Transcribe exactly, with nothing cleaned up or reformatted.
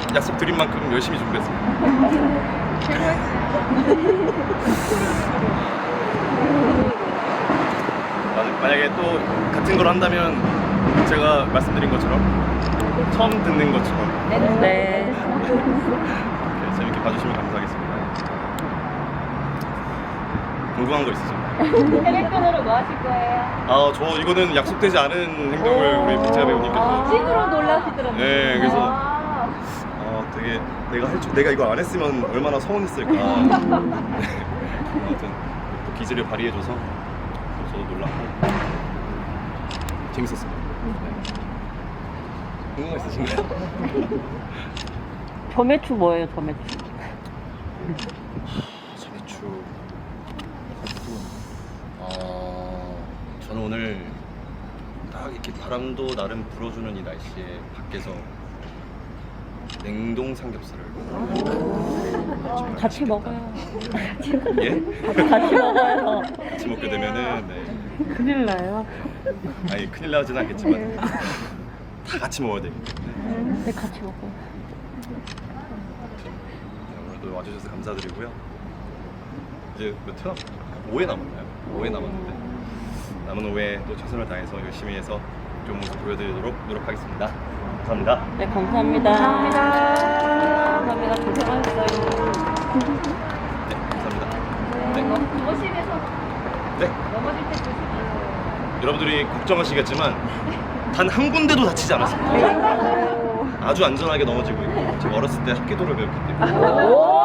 약속 드린 만큼 열심히 준비했습니다. 만약에 또 같은 걸 한다면 제가 말씀드린 것처럼 처음 듣는 것처럼 네. 네, 재밌게 봐주시면 감사하겠습니다. 궁금한 거 있으세요? 혈액돈으로 뭐 하실 거예요? 아, 저 이거는 약속되지 않은 행동을 우리 빅자 배우님께서 찐으로 놀라시더라고요. 네, 그래서 아. 어, 되게 내가 할 줄, 내가 이걸 안 했으면 얼마나 서운했을까. 네. 아무튼 또 기질을 발휘해줘서 저도 놀랐고 재밌었습니다. 네. 궁금한 거 있으신가요? 점액추 뭐예요, 점액추? 소매추. 어, 저는 오늘 딱 이렇게 바람도 나름 불어주는 이 날씨에 밖에서 냉동 삼겹살을 같이 먹어요. 예? 같이 먹어요. 같이 먹게 되면은 네. 큰일 나요. 아니 큰일 나진 않겠지만 다 같이 먹어야 되기 때문에 네, 같이 먹어요. 오늘도 와주셔서 감사드리고요. 이제 몇 회? 오 회 남았나요? 오 회 남았는데 남은 오 회 또 최선을 다해서 열심히 해서 좋은 모습 보여드리도록 노력하겠습니다. 감사합니다. 네, 감사합니다. 감사합니다. 감사합니다. 고생하셨어요. 네, 감사합니다. 네. 거실에서 네. 넘어질 때 조심하세요. 여러분들이 걱정하시겠지만 단 한 군데도 다치지 않았습니다. 아주 안전하게 넘어지고 있고 제가 어렸을 때 합기도를 배웠기 때문에 오!